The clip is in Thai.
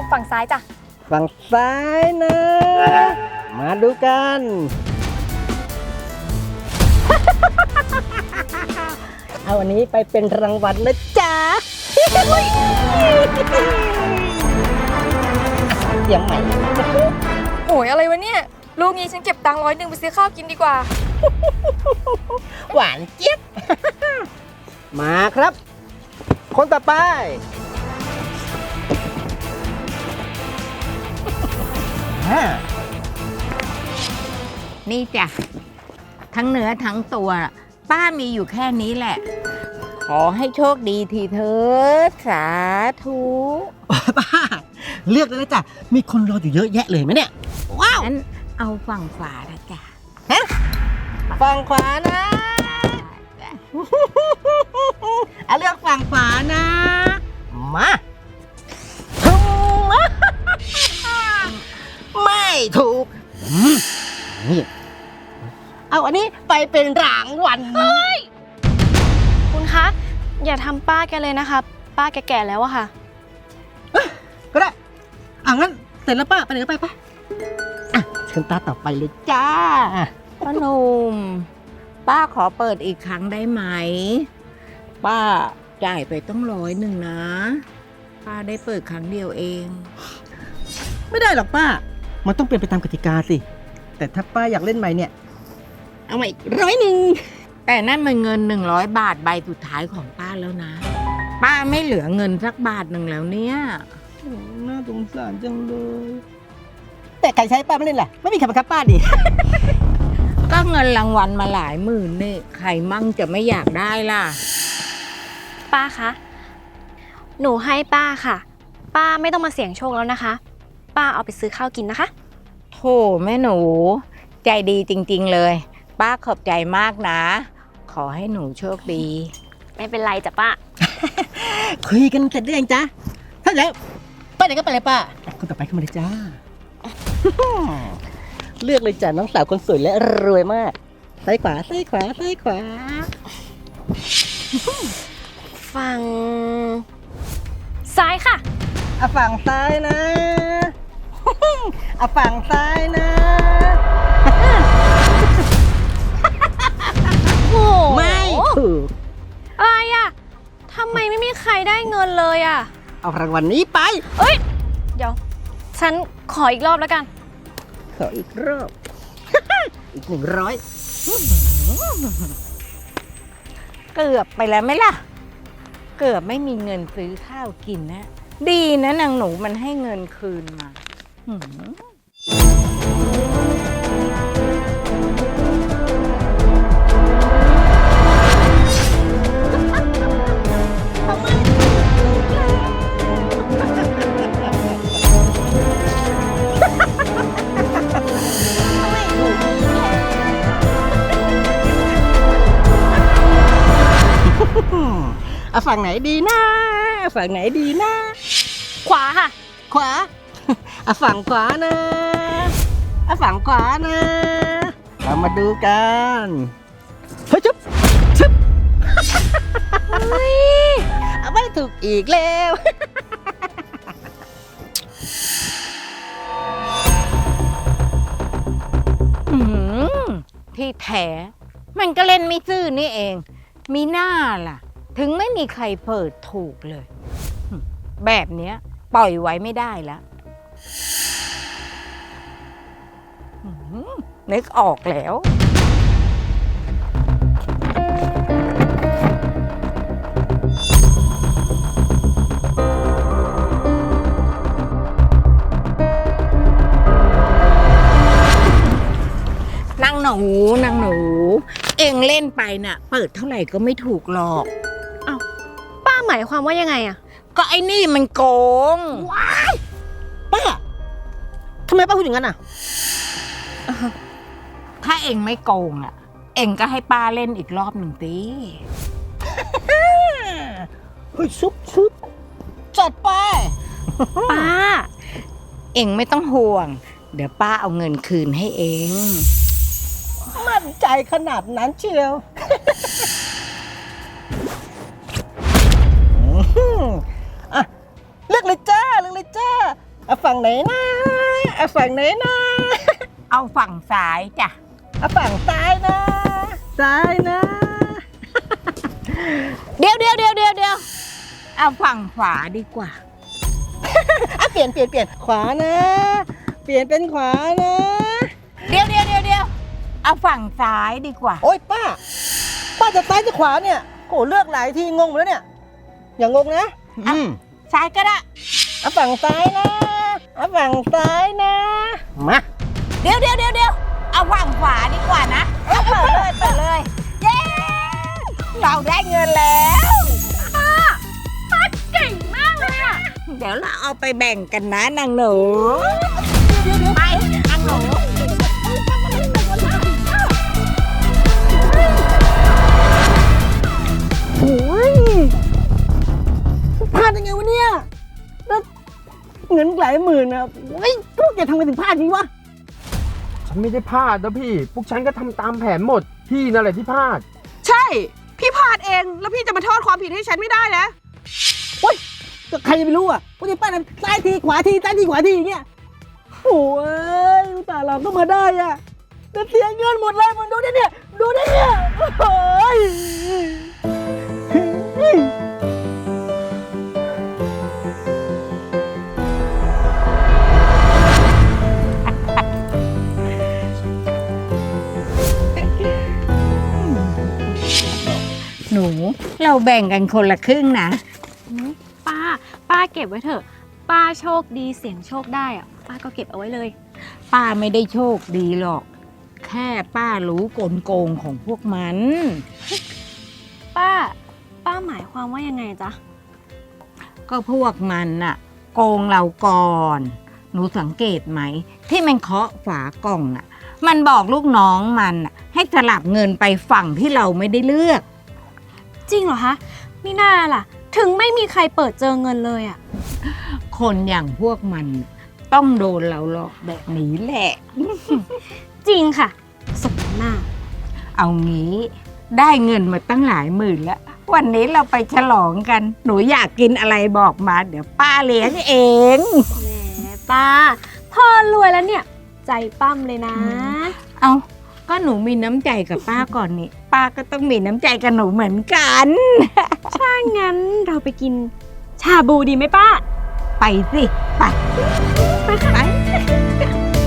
ฝั่งซ้ายจ้ะฝั่งซ้ายนะ มาดูกัน เอาอันนี้ไปเป็นรางวัลนะจ๊ะเสียงใหม่โอ้ยอะไรวะเนี่ยลูกนี้ฉันเก็บตังค์100ไปซื้อข้าวกินดีกว่าหวานเจี๊ยบ มาครับ คนต่อไปนี่จ้ะทั้งเนื้อทั้งตัวป้ามีอยู่แค่นี้แหละ ขอให้โชคดีทีเถิดสาธุป้าเลือกเลยนะจ๊ะ มีคนรออยู่เยอะแยะเลยไหมเนี่ย ว้าวงั้นเอาฝั่งขวาละจ้ะฝั่งขวานะเอาเลือกฝั่งขวานะ มาไม่ถูกนี่เอาอันนี้ไปเป็นรางวัลคุณคะอย่าทำป้าแกเลยนะคะป้าแกแก่แล้วอะค่ะก็ได้งั้นเสร็จแล้วป้าไปไหนก็ไปป้าเชิญตาต่อไปเลยจ้าป้าหนุ่มป้าขอเปิดอีกครั้งได้ไหม ป้าจ่ายไปต้อง100นะ ป้าได้เปิดครั้งเดียวเองไม่ได้หรอกป้า มันต้องเป็นไปตามกติกาสิ แต่ถ้าป้าอยากเล่นใหม่เนี่ย เอาใหม่100 แต่นั่นมันเงิน100 บาทใบสุดท้ายของป้าแล้วนะ ป้าไม่เหลือเงินสักบาทหนึ่งแล้วเนี่ยน่าสงสารจังเลย แต่ใครใช้ป้าไม่เล่นล่ะ ไม่มีใครบังคับป้าดิก็เงินรางวัลมาหลายหมื่นนี่ใครมั่งจะไม่อยากได้ล่ะป้าคะหนูให้ป้าค่ะ ป้าไม่ต้องมาเสี่ยงโชคแล้วนะคะ ป้าเอาไปซื้อข้าวกินนะคะโธ่แม่หนู ใจดีจริงๆเลย ป้าขอบใจมากนะ ขอให้หนูโชคดีไม่เป็นไรจ้ะป้าคุยกันเสร็จหรือยังจ๊ะ ถ้าแล้วไปไหนก็ไปเลยป้า คนต่อไปเข้ามาเลยจ้า เลือกเลยจ้ะน้องสาวคนสวยและรวยมาก ซ้ายขวา ซ้ายขวา ซ้ายขวาฝั่งซ้ายค่ะฝั่งซ้ายนะ ฝั่งซ้ายนะโอ้ไม่ถูกอะไรอะทำไมไม่มีใครได้เงินเลยอะเอารางวัลนี้ไปเอ้ยเดี๋ยวฉันขออีกรอบแล้วกันขออีกรอบ อีก100 เกือบไปแล้วไหมล่ะ เกือบไม่มีเงินซื้อข้าวกินนะ ดีนะนางหนูมันให้เงินคืนมาหืมฝั่งไหนดีนะ ฝั่งไหนดีนะขวาค่ะขวา ฝั่งขวานะ ฝั่งขวานะ เรามาดูกันเฮ้ยชุบชุบไม่ถูกอีกแล้วหืมที่แท้มันก็เล่นไม่ซื่อนี่เอง มีหน้าล่ะ ถึงไม่มีใครเปิดถูกเลยแบบเนี้ยปล่อยไว้ไม่ได้แล้วนึกออกแล้ว นางหนู เองเล่นไปน่ะ เปิดเท่าไหร่ก็ไม่ถูกหรอกป้าหมายความว่ายังไงอะก็ไอ้นี่มันโกงป้าทำไมป้าพูดอย่างนั้นอ่ะถ้าเองไม่โกงอ่ะ เองก็ให้ป้าเล่นอีกรอบหนึ่งตีเฮ้ยชุบจัดไปป้าเองไม่ต้องห่วง เดี๋ยวป้าเอาเงินคืนให้เองมั่นใจขนาดนั้นเชียว เลือกเลยจ้า เลือกเลยจ้าเอาฝั่งไหนนะเอาฝั่งไหนนะเอาฝั่งซ้ายจ้ะเอาฝั่งซ้ายนะ ซ้ายนะเดี๋ยวเอาฝั่งขวาดีกว่าอ่ะเปลี่ยนขวานะ เปลี่ยนเป็นขวานะเดี๋ยวเอาฝั่งซ้ายดีกว่าโอ๊ยป้าจะซ้ายจะขวาเนี่ยโหเลือกหลายทีงงหมดแล้วเนี่ย อย่างงงนะซ้ายก็ได้เอาฝั่งซ้ายนะ เอาฝั่งซ้ายนะ มาเดี๋ยวเอาฝั่งขวาดีกว่านะเปิดเลย เย้ เราได้เงินแล้วป้าเก่งมากเลยอ่ะ เดี๋ยวเราเอาไปแบ่งกันนะนางหนูไปนางหนูโอ้ยพลาดยังไงวะเนี่ยแล้วเงินหลายหมื่นนะเฮ้ยพวกแกทำไมถึงพลาดนี้วะฉันไม่ได้พลาดนะพี่ พวกฉันก็ทำตามแผนหมด พี่นั่นแหละที่พลาดใช่ พี่พลาดเอง แล้วพี่จะมาโทษความผิดให้ฉันไม่ได้นะโอ๊ยก็ใครจะไปรู้อ่ะว่าจะป้าทำซ้ายทีขวาทีซ้ายทีขวาทีอย่างเงี้ยโอ้ยอุตส่าห์เราก็มาได้อ่ะแต่เสียเงินหมดเลยมันดูดิเนี่ยโอ้ยหนู เราแบ่งกันคนละครึ่งนะป้าเก็บไว้เถอะ ป้าโชคดีเสี่ยงโชคได้อะป้าก็เก็บเอาไว้เลยป้าไม่ได้โชคดีหรอก แค่ป้ารู้กลโกงของพวกมันป้าหมายความว่ายังไงจ๊ะก็พวกมันน่ะ โกงเราก่อน หนูสังเกตไหม ที่มันเคาะฝากล่องน่ะ มันบอกลูกน้องมันน่ะให้สลับเงินไปฝั่งที่เราไม่ได้เลือกจริงเหรอคะมิน่าล่ะ ถึงไม่มีใครเปิดเจอเงินเลยอะคนอย่างพวกมันน่ะต้องโดนเราหลอกแบบนี้แหละจริงค่ะสมหน้าเอางี้ได้เงินมาตั้งหลายหมื่นแล้ว วันนี้เราไปฉลองกัน หนูอยากกินอะไรบอกมา เดี๋ยวป้าเลี้ยงเองแหมป้าพอรวยแล้วเนี่ย ใจปั้มเลยนะเอาก็หนูมีน้ำใจกับป้าก่อนนี่ป้าก็ต้องมีน้ำใจกับหนูเหมือนกันถ้างั้นเราไปกินชาบูดีไหมป้าไปสิ ไปไปค่ะ